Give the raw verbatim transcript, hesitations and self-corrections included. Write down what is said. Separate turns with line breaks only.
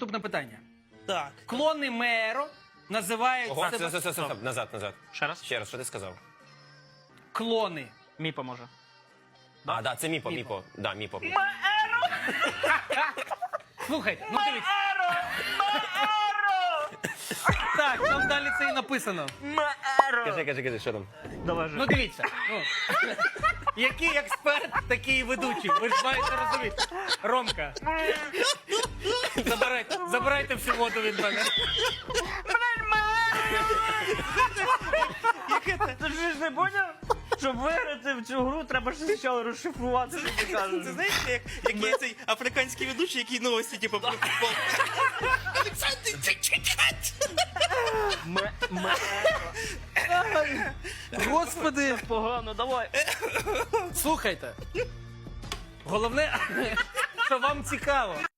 наступне питання.
Так.
Клони Меро називають
Ого,
себе...
все, все, все, все, назад, назад.
Ще раз?
Ще раз, що ти сказав?
Клони.
Міпа може.
А, да, це Міпо,
Міпо.
Міпо. Да, Міпо.
Слухайте, ну дивіться. Так, там далі це і написано.
Кажи, кажи, кажи, що там?
Давай же.
Ну дивіться. Ну, який експерт, такий і ведучий. Ви ж маєте розуміти. Ромка. Забирайте, забирайте всю воду від мене.
Ти ж не поняв? Щоб виграти в цю гру, треба ж спочатку розшифрувати, що ти кажеш.
Це знаєш, як, як є цей африканський ведучий, який новості, типу, про футбол. Олександр, чекать!
Ме- ме-
Господи,
Погано, давай.
слухайте. Головне, що вам цікаво.